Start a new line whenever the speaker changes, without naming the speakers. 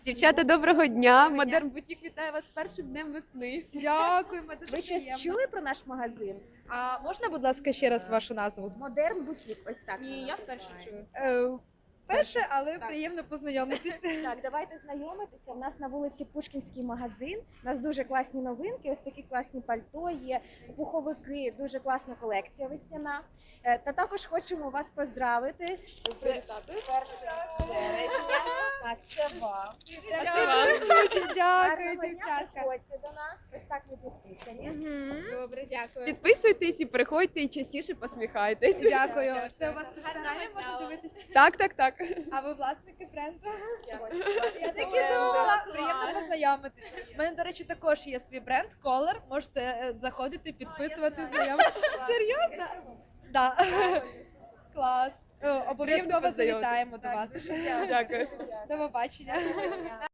Дівчата, доброго дня! Модерн Бутік вітає вас з першим днем весни.
Дякуємо, дуже
Ви щось
приємно.
чули про наш магазин?
А можна, будь ласка, ще раз вашу назву?
Модерн Бутік, ось так.
Ні,
ми
я
нас
вперше
називаємо.
чую.
Перше, але приємно познайомитися.
Так, давайте знайомитися. У нас на вулиці Пушкінський магазин. У нас дуже класні новинки, ось такі класні пальто є, пуховики, дуже класна колекція весняна. Та також хочемо вас поздравити з 1 березня. Так, це вам.
Дякую,
Гарного дня,
дівчатка.
приходьте до нас. Ось так ви підписані.
Добре, дякую.
Підписуйтесь і приходьте, і частіше посміхайтесь.
Дякую. Це у вас в інстаграмі можна дивитися?
Так, так, так.
А ви власники бренду? Я так і
Дякую.
думала. Приємно познайомитись. У мене, до речі, також є свій бренд Color. Можете заходити, підписувати, знайомитися. Серйозно? Так. Клас. Обов'язково
познайомитись.
завітаємо до вас.
Дякую.
До побачення.